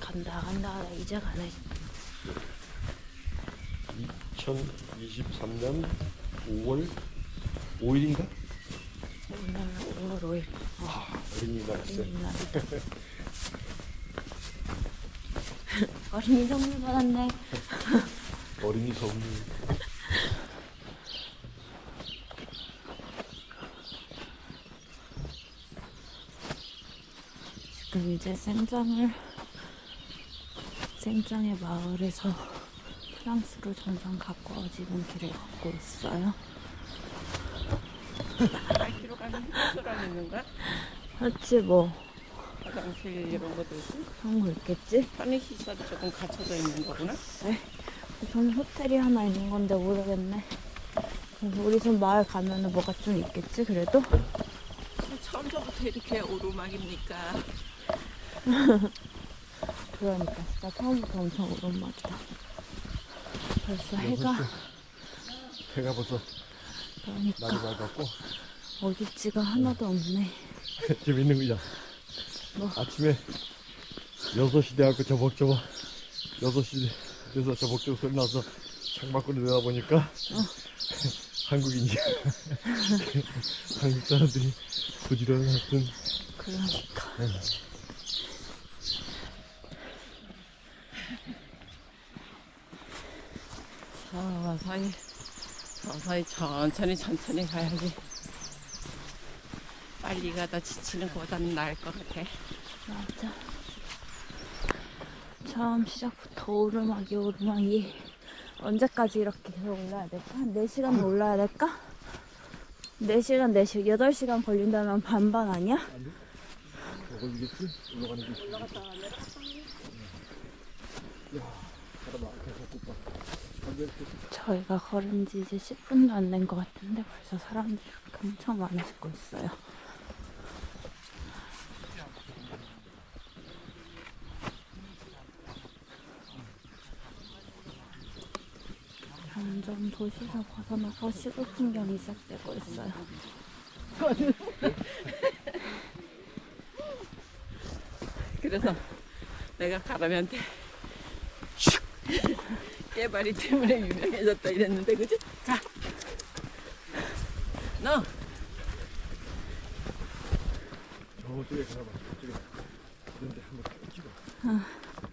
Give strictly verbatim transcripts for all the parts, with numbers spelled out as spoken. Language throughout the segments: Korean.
간다 간다 하다 이제 가네. 이천이십삼 년 오월 오일인가? 오늘 오월 오일. 어. 아, 어린이날 있어요. 어린이날이다. 어린이 선물 받았네. 어린이 선물. 지금 이제 생장을 생장의 마을에서 프랑스로 점점 가까워지는 길을 걷고 있어요. 알기로 가는 휴게소랑 있는 거야? 그렇지 뭐 화장실 이런 것도 있고 그런 거 있겠지? 편의시설이 조금 갖춰져 있는 거구나? 네. 저는 호텔이 하나 있는 건데 모르겠네. 그래서 우리 집 마을 가면은 뭐가 좀 있겠지 그래도? 처음부터 이렇게 오르막입니까? 그러니까 진짜 처음부터 엄청 오랜만이다. 벌써 해가 해가 벌써 그러니까 날이 밝았고 어둡지가 하나도 없네. 재밌는 거야. 뭐? 아침에 여섯 시 돼갖고 저벅저벅 여섯 시 돼서 저벅저벅 소리 나서 창밖으로 내다보니까 어. 한국인이야. 한국 사람들이 부지런히 하여튼 그러니까 네. 서서히 서서히 천천히 천천히 가야지. 빨리 가다 지치는 것보다는 나을 것 같아. 맞아. 처음 시작부터 오르막이 오르막이 언제까지 이렇게 계속 올라야 될까? 한 네 시간 올라야 될까? 네 시간, 네 시간, 여덟 시간 걸린다면 반반 아니야? 올라가겠지? 올라가는 게 올라갔다 가면 야, 바다 계속 봐. 저희가 걸은 지 이제 십 분도 안 된 것 같은데 벌써 사람들이 이렇게 엄청 많아지고 있어요. 점점 도시에서 벗어나서 시골 풍경이 시작되고 있어요. 그래서 내가 가람이한테 슉 깨발이 때문에 유명해졌다 이랬는데 그지? 자, 너 저쪽에 가봐. 저쪽에 이런데 한번 찍어. 아,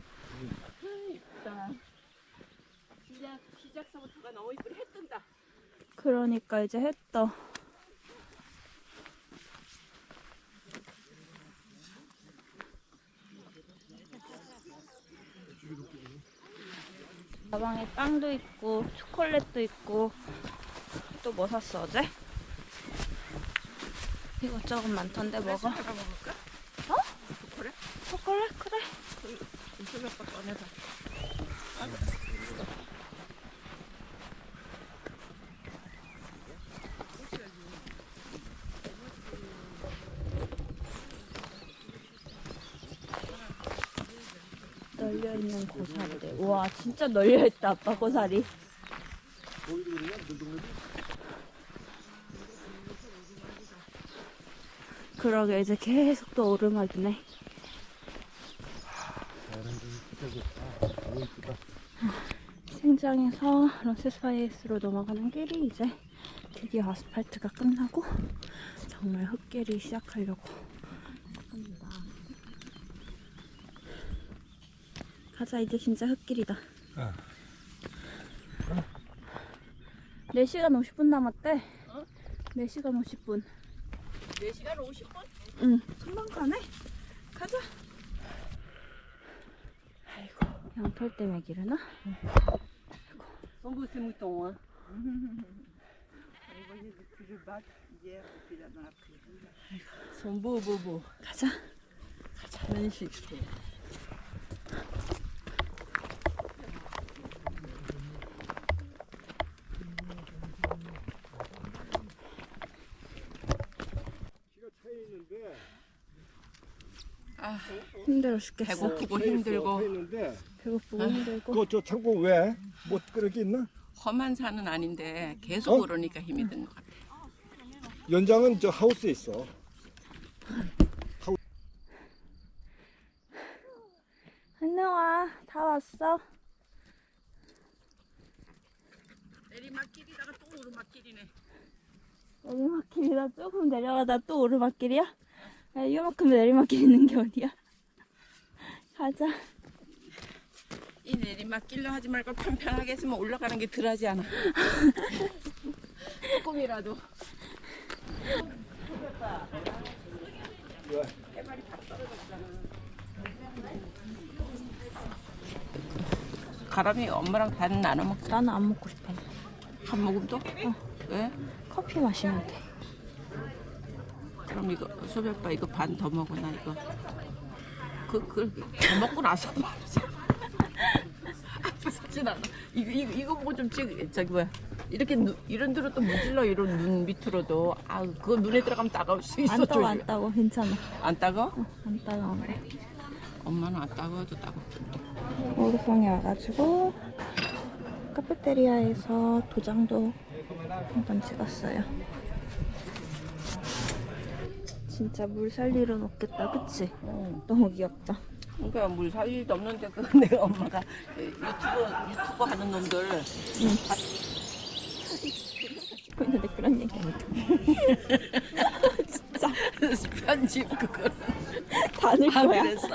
이쁘다. 시작 시작서부터가 너무 이쁘게 해 뜬다. 그러니까 이제 했다. 가방에 빵도 있고 초콜릿도 있고 또 뭐 샀어 어제? 이것저것 많던데 먹어? 하나 먹을까? 어? 그래? 초콜릿? 그래. 음식 몇 번 꺼내서. 널려있는 고사리들. 우와 진짜 널려있다 아빠 고사리. 그러게 이제 계속 또 오르막이네. 생장에서 런세스파이스로 넘어가는 길이 이제 드디어 아스팔트가 끝나고 정말 흙길이 시작하려고 합니다. 가자 이제 진짜 흙길이다. 어. 네 시간 오십 분 남았대. 어? 네 시간 오십 분. 네 시간 오십 분? 응, 금방 가네. 가자. 아이고, 양털 때문에 기르나? Sont beaux ces moutons, hein. Vous voyez depuis le bac hier, depuis là dans la prairie. Ils sont beaux, beaux, beaux. 가자. Magnifique, je trouve. 아, 힘들어 죽겠어. 배고프고 힘들고 배고프고 아, 힘들고. 그저 창고 왜? 뭐 그런 게 있나? 험한 산은 아닌데 계속 어? 오르니까 힘이 드는 것 같아. 연장은 저 하우스에 있어. 안녕 왔어? 내리막길이다가 또 오르막길이네. 내리막길이다 조금 내려가다 또 오르막길이야? 야, 이만큼 내리막길 있는 게 어디야? 가자. 이 내리막길로 하지 말고 평평하게 했으면 올라가는 게 덜하지 않아. 조금이라도. 가람이 엄마랑 반 나눠 먹자. 나는 안 먹고 싶어. 한 모금도? 어. 왜? 커피 마시면 돼. 그럼 이거 소별빠 이거 반 더 먹어 나 이거. 그, 그, 더 먹고 나서 말이지. 아프진 않아. 이거, 이거, 이거 보고 좀 찍, 저기 뭐야. 이렇게 눈, 이런 데로 또 문질러, 이런 눈 밑으로도. 아, 그거 눈에 들어가면 따가울 수 있어. 안 따워, 조심해. 안 따워. 괜찮아. 안 따가? 어, 안 따가워. 엄마는 안 따가워도 따갑던데. 오르성에 와가지고 카페테리아에서 도장도 한번 찍었어요. 진짜 물 살 일은 없겠다, 그치? 어. 너무 귀엽다. 그러니까 물 살 일도 없는데, 그 내가 엄마가 유튜브, 유튜브 하는 놈들. 응. 듣고 있는데 그런 얘기 안 해. 진짜 편집 그거. 다 넣을 아, 거야. 그랬어?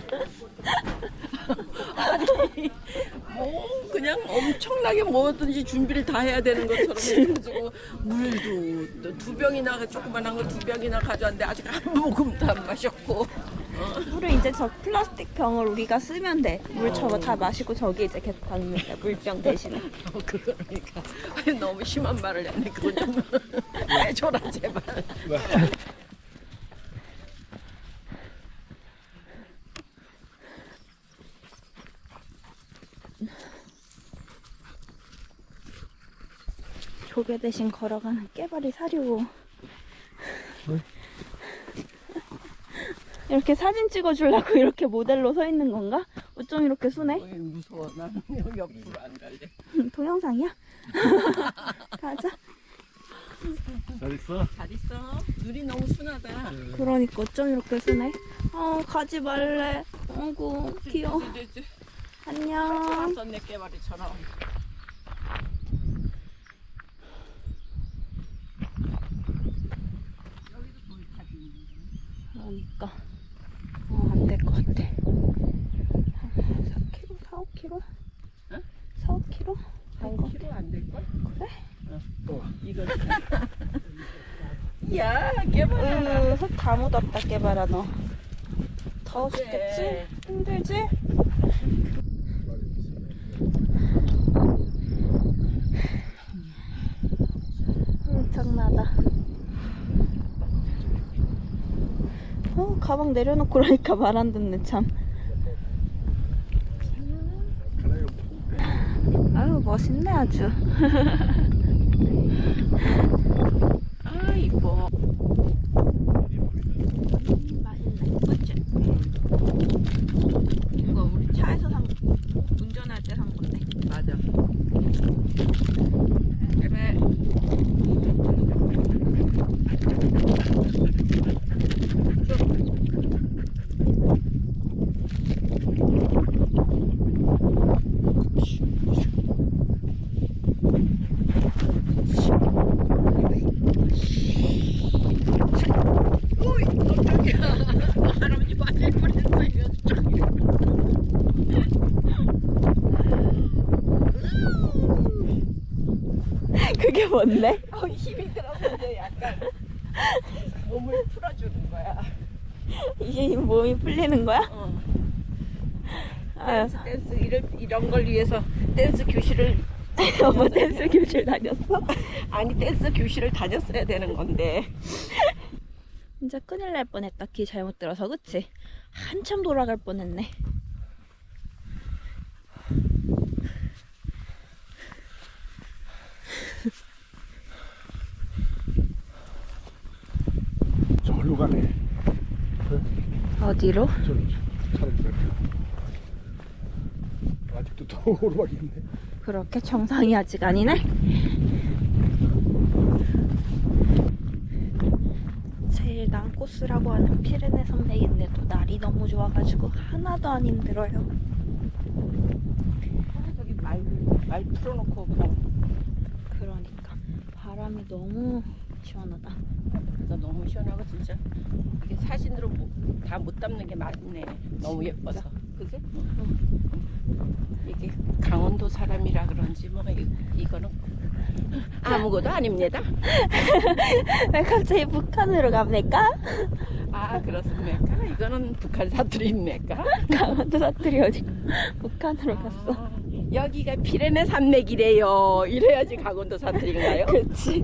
아니, 뭐, 그냥 엄청나게 뭐든지 준비를 다 해야 되는 것처럼 해가지고, 물도 또 두 병이나, 조그만한 거 두 병이나 가져왔는데, 아직 한 모금도 안 마셨고. 물을 이제 저 플라스틱 병을 우리가 쓰면 돼. 물 저거 다 마시고 저기 이제 계속 담으면 돼. 물병 대신에. 어, 그러니까. 아니, 너무 심한 말을 했네. 그거 좀 해줘라, 제발. 조개 대신 걸어가는 깨발이 사려고. 왜? 이렇게 사진 찍어주려고 이렇게 모델로 서 있는 건가? 어쩜 이렇게 순해? 어이, 무서워. 나는 여기 옆으로 안 갈래. 동영상이야? 가자. 잘 있어? 잘 있어. 눈이 너무 순하다. 그러니까 어쩜 이렇게 순해? 어, 가지 말래. 어구, 귀여워. 안녕. 썼네, 깨발이처럼. 그러니까. 어, 안 될 것 같아. 한 사 킬로미터? 사, 오 킬로미터? 응? 사, 오 킬로미터? 한 킬로 안 될걸? 그래? 어, 이거. 야, 깨발아. 으, 흙 다 묻었다, 깨봐라, 너. 더워 죽겠지? 그래. 힘들지? 엄청나다. 어, 가방 내려놓고 그러니까 말 안 듣네, 참. 아유, 멋있네, 아주. 아, 이뻐. 맛있네. 그치? 이거 우리 차에서 산, 운전할 때 산 건데. 맞아. 그래. 오이, 깜짝이야. 할아버지 맞을 뻔했어, 이거. 그게 뭔데? 어, 힘이 들어서 이제 약간 몸을 풀어주는 거야. 이게 몸이 풀리는 거야? 어. 아유, 댄스, 댄스 이런, 이런 걸 위해서 댄스 교실을 어머, 댄스 교실 다녔어? 아니 댄스 교실을 다녔어야 되는 건데. 진짜 큰일 날 뻔했다. 길 잘못 들어서, 그치? 한참 돌아갈 뻔했네. 저리로 가네. 어디로? 저리 차를 갈 아직도 더 오르막이 있네. 그렇게 정상이 아직 아니네? 제일 난 코스라고 하는 피레네 산맥인데도 날이 너무 좋아가지고 하나도 안 힘들어요. 말 풀어놓고 가. 그러니까 바람이 너무 시원하다. 그래서 너무 시원하고 진짜 이게 사진으로 다 못 담는 게 맞네. 너무 예뻐서. 그지? 이게 강원도 사람이라 그런지 뭐 이, 이거는 아무것도 아닙니다. 왜 갑자기 북한으로 갑니까? 아 그렇습니까? 이거는 북한 사투리입니까? 강원도 사투리 어디 북한으로 갔어? 아, 여기가 피레네 산맥이래요. 이래야지 강원도 사투리인가요? 그렇지.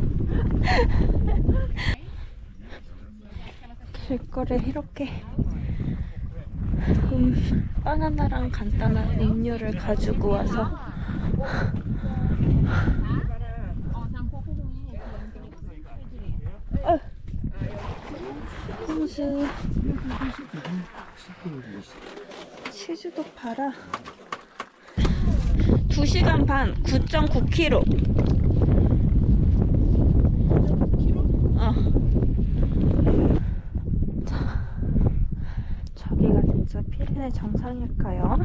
길거리에 이렇게 음, 바나나랑 간단한 음료를 가지고 와서 어. 홍수 치즈도 팔아. 두 시간 반 구 점 구 킬로미터. 어. 자, 저기가 진짜 피레네 정상일까요?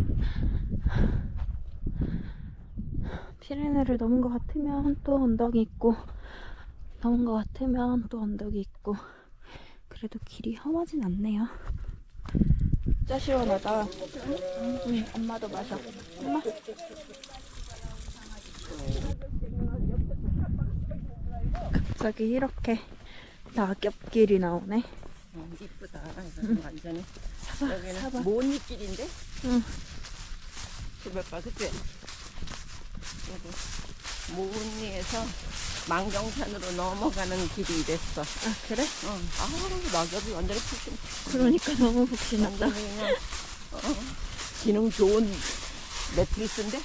피레네를 넘은 것 같으면 또 언덕이 있고, 넘은 것 같으면 또 언덕이 있고, 그래도 길이 험하진 않네요. 진짜 시원하다. 응, 엄마도 마셔. 엄마. 갑자기 이렇게 낙엽길이 나오네. 어, 이쁘다. 이거는 응. 완전히 사봐, 여기는 사봐. 모니길인데? 응. 주변봐, 그치? 여기 모니에서 망경산으로 넘어가는 길이 이랬어. 아, 그래? 어. 아, 낙엽이 완전히 푹신. 그러니까 너무 북신하다. 완전히 그냥 어, 기능 좋은 매트리스인데?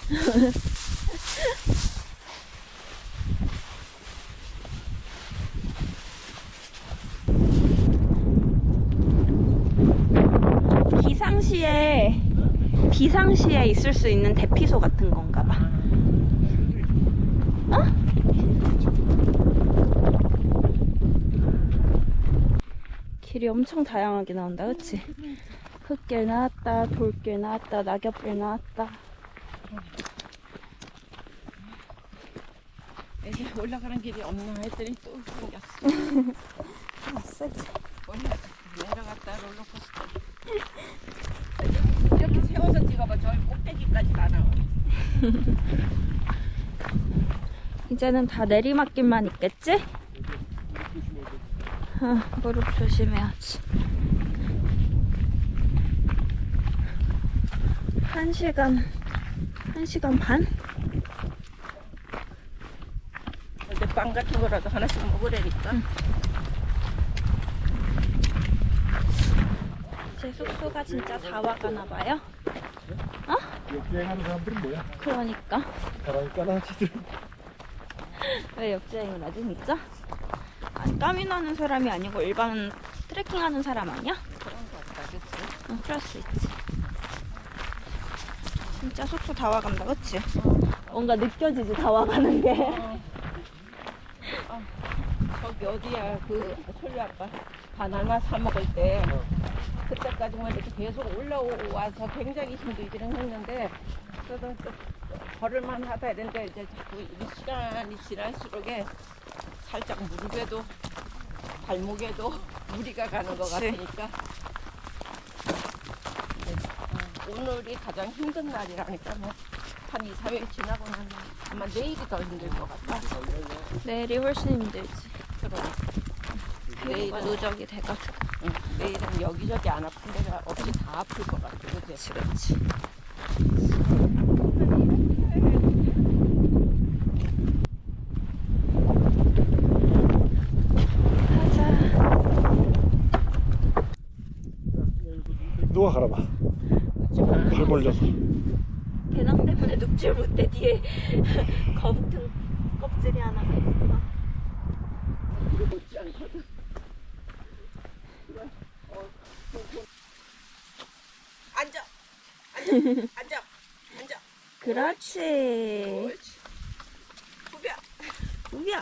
비상시에, 비상시에 있을 수 있는 대피소 같은 건가 봐. 어? 길이 엄청 다양하게 나온다, 그치? 흙길 나왔다, 돌길 나왔다, 낙엽길 나왔다. 이제 올라가는 길이 없나 했더니 또 생겼어. 왔어, 이제. 올라, 내려갔다 롤러코스터. 이렇게 세워서 찍어봐. 저기 꼭대기까지 다 나와. 이제는 다 내리막길만 있겠지? 어, 무릎 조심해야지. 한 시간, 한 시간 반? 근데 빵 같은 거라도 하나씩 먹으라니까. 응. 제 숙소가 진짜 다 와가나 봐요? 어? 역주행하는 사람들은 뭐야? 그러니까. 바람이 까나치들. 왜 역주행을 하지, 진짜? 아니, 땀이 나는 사람이 아니고 일반 트레킹하는 사람 아니야? 그런 거 같다, 그치? 응, 그럴 수 있지. 진짜 숙소 다 와간다, 그치? 뭔가 느껴지지, 다 와가는 게. 어. 어. 저기 어디야, 그, 솔리 아빠 바나나 사 먹을 때, 그때까지만 이렇게 계속 올라와서 굉장히 힘들기는 했는데, 그래도 또 걸을만 하다 이랬는데, 이제 자꾸 이 시간이 지날수록에 살짝 무릎에도, 발목에도 무리가 가는 것 그치. 같으니까. 네, 어, 오늘이 가장 힘든 날이라니까, 뭐, 한 이, 삼 일 지나고 나면 아마 내일이 더 힘들 것 같아. 내일이 훨씬 힘들지. 그럼. 내일 누적이 돼가지고. 응, 내일은 여기저기 안 아픈 데가 없이 다 아플 것 같아. 그치? 그렇지. 가자. 누가 가라봐. 발 벌려서. 배낭 때문에 눕질 못해. 뒤에 거북 등 껍질이 하나가 있어. 못지 않거든. 앉아! 앉아! 앉아! 앉아! 그렇지. 옳지. 후벼! 우야.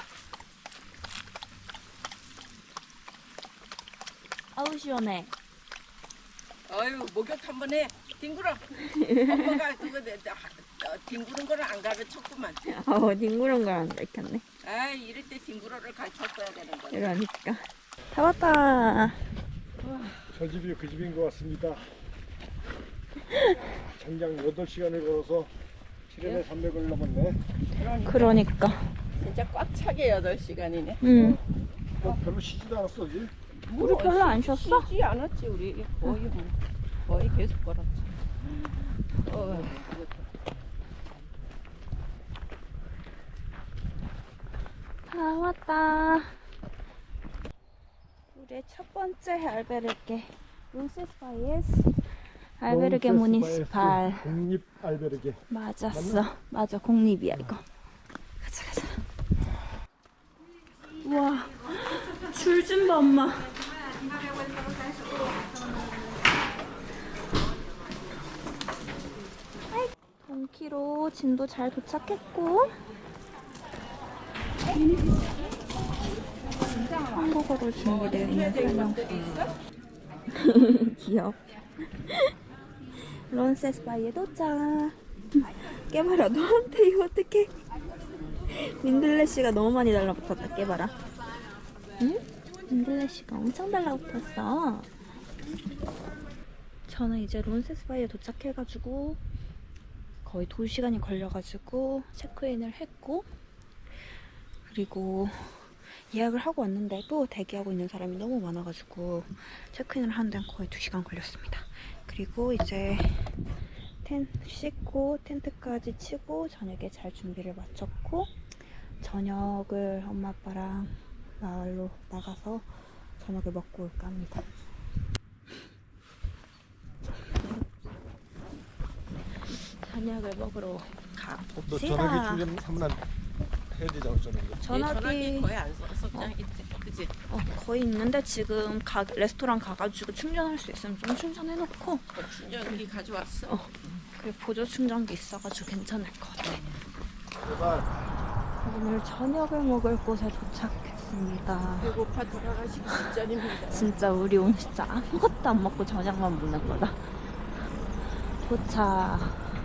아우 시원해. 어휴, 목욕 한 번 해. 뒹굴어. 엄마가 그거 내, 내, 어, 뒹구는 거를 안 가르쳤구만. 어, 뒹구른 걸 안 가르쳤네. 아, 이럴 때 뒹구러를 가르쳤어야 되는 거야. 이러니까. 다 왔다. 저 집이 그 집인 것 같습니다. 장장 여덟 시간을 걸어서 칠천에 삼백을 넘었네. 그러니까. 진짜 꽉 차게 여덟 시간이네. 응. 너 별로 쉬지도 않았어, 어제? 우리 별로 안 쉬었어? 쉬지 않았지, 우리. 거의, 뭐, 거의 계속 걸었지. 어, 다 왔다. 우리의 첫 번째 알베르게. 론세스바이에스 알베르게 무니시팔. 공립 알베르게. 맞았어. 맞아, 공립이야, 이거. 가자, 가자. 우와, 줄 좀 봐, 엄마. 동키로 진도 잘 도착했고, 한국어로 준비되어 있는 설명서. 귀여워. 론세스바이에 도착. 깨봐라, 너한테 이거 어떡해. 민들레씨가 너무 많이 달라붙었다. 깨봐라. 응? 민들레씨가 엄청 달라붙었어. 저는 이제 론세스바이에 도착해가지고 거의 두 시간이 걸려가지고 체크인을 했고, 그리고 예약을 하고 왔는데도 대기하고 있는 사람이 너무 많아가지고 체크인을 하는 데는 거의 두 시간 걸렸습니다. 그리고 이제 텐트 씻고 텐트까지 치고 저녁에 잘 준비를 마쳤고, 저녁을 엄마 아빠랑 마을로 나가서 저녁을 먹고 올까 합니다. 저녁을 먹으러 너 갑시다. 전화기 충전 한 번 해야 되지 않았잖아. 이거. 전화기 전화기 거의 안 써, 석장 있지. 그치? 어, 거의 있는데 지금 가, 레스토랑 가가지고 충전할 수 있으면 좀 충전해놓고, 어, 충전기 가져왔어. 어, 그리고 보조 충전기 있어가지고 괜찮을 것 같아. 제발. 오늘 저녁을 먹을 곳에 도착했습니다. 배고파 돌아가시기 직전입니다. 진짜 우리 오늘 진짜 아무것도 안 먹고 저녁만 먹는 거다. 도착.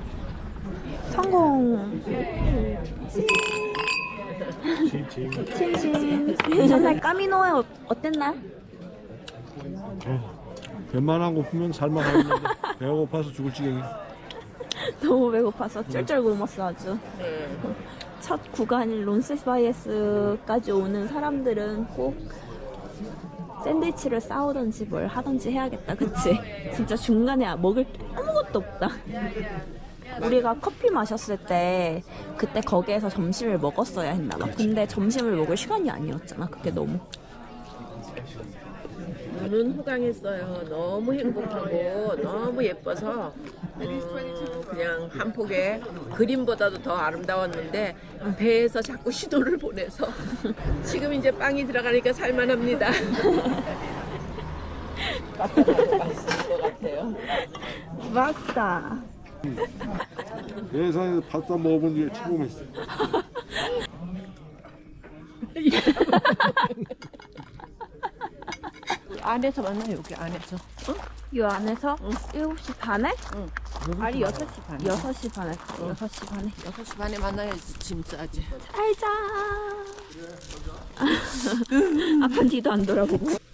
성공. 친친. 전날 까미노에 어, 어땠나? 웬만한 거 보면 살만하는데 배가 고파서 죽을 지경이. 너무 배고파서 쩔쩔 굶었어 아주. 네. 첫 구간인 론세스바이에스까지 오는 사람들은 꼭 샌드위치를 싸우든지 뭘 하든지 해야겠다. 그치? 진짜 중간에 먹을 게 아무것도 없다. 우리가 커피 마셨을 때 그때 거기에서 점심을 먹었어야 했나 봐. 근데 점심을 먹을 시간이 아니었잖아. 그게 너무. 눈은 호강했어요. 너무 행복하고 너무 예뻐서 음, 그냥 한 폭의 그림보다도 더 아름다웠는데 배에서 자꾸 신호를 보내서 지금 이제 빵이 들어가니까 살만합니다. 맛있을 것 같아요. 맞다. 예산에서 밥도 안 먹어본 게 최고였어. 안에서 만나요, 여기 안에서. 응? 이 안에서 응. 일곱 시 반에? 응. 아니 여섯 시 반. 여섯 시 반에. 여섯 시 반에. 여섯 시 반에 만나야지 짐 싸지. 살자. 앞은 뒤도 안 돌아보고.